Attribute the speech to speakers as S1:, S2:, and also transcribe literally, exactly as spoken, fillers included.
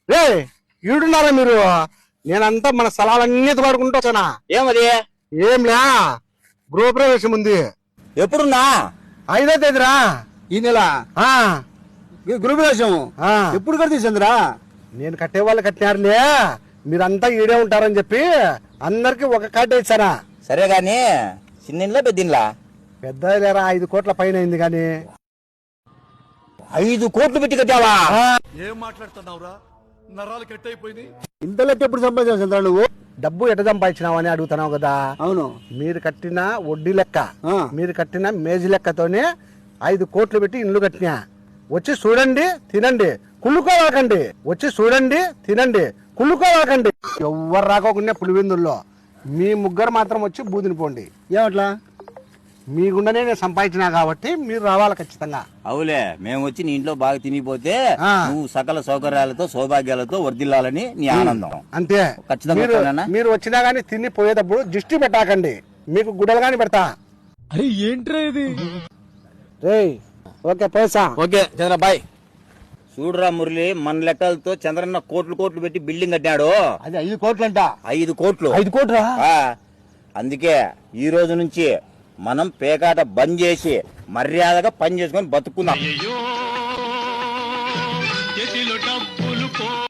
S1: రే ఈడున్నారా మీరు? నేనంతా మన స్థలాలన్నీ పాడుకుంటూ వచ్చానా.
S2: ఏమది?
S1: ఏంలా గృహప్రవేశం ఉంది.
S2: ఎప్పుడున్నా?
S1: ఐదో తేదీరా
S3: ఈ నెల
S1: ఆ,
S3: గృహప్రవేశం
S1: ఆ.
S3: ఎప్పుడు కడితే చంద్రా?
S1: నేను కట్టే వాళ్ళు కట్టినారులే, మీరంతా ఈడే ఉంటారని చెప్పి అందరికి ఒక కార్డు ఇచ్చారా.
S2: సరే గాని చిన్నిన్లా పెద్దిన్లా?
S1: పెద్ద లేరా, ఐదు కోట్ల పైన అయింది గాని.
S2: ఐదు కోట్లు పెట్టి కట్టావా?
S4: ఏం మాట్లాడుతున్నావురా? నరాలు కట్ అయిపోయింది.
S3: ఇంత లెక్క ఎప్పుడు సంపాదించావు చంద్రా నువ్వు?
S1: డబ్బు ఎట సంపాదించినావని అడుగుతున్నావు కదా.
S3: అవును.
S1: మీరు కట్టిన వడ్డీ లెక్క,
S3: ఆ.
S1: మీరు కట్టిన మేజీ లెక్కతోనే ఐదు కోట్లు పెట్టి ఇల్లు కట్టినా. వచ్చి చూడండి, తినండి, కుళ్ళుకోవాకండి. వచ్చి చూడండి, తినండి, కుళ్ళుకోవాకండి. ఎవ్వరు రాకోకుండా పులివెందుల్లో మీ ముగ్గురు మాత్రం వచ్చి బూదిని పోండి.
S3: ఏమట్లా?
S1: మీ గుండెనే నేను సంపాదించినా కాబట్టి మీరు రావాలి ఖచ్చితంగా.
S2: అవులే, మేము వచ్చి నీ ఇంట్లో బాగా తినిపోతే
S1: ఆ.
S2: నువ్వు సకల సౌకర్యాలతో సౌభాగ్యాలతో వర్దిల్లాలని నీ ఆనందం.
S1: అంతే.
S2: ఖచ్చితంగా
S1: మీరు
S2: వస్తానన్నా?
S1: మీరు వచ్చినా గానీ తిని పోయేటప్పుడు దిష్టి పెట్టాకండి, మీకు గుడ్డలు గాని పెడతా.
S4: అరే ఏంట్రా ఇది?
S1: రేయ్ ఓకే పైసా.
S2: Okay Chandra bye. చూడురా మురళి, మన లెక్కలతో చంద్రన్న కోట్లు కోట్లు పెట్టి బిల్డింగ్ కట్టాడు.
S1: అది ఐదు కోట్లు అంట.
S2: ఐదు కోట్లు
S1: ఐదు కోట్రా?
S2: ఆ, అందుకే ఈ రోజు నుంచి మనం పేకాట బంద్ చేసి మర్యాదగా పని చేసుకొని బతుకుందాం.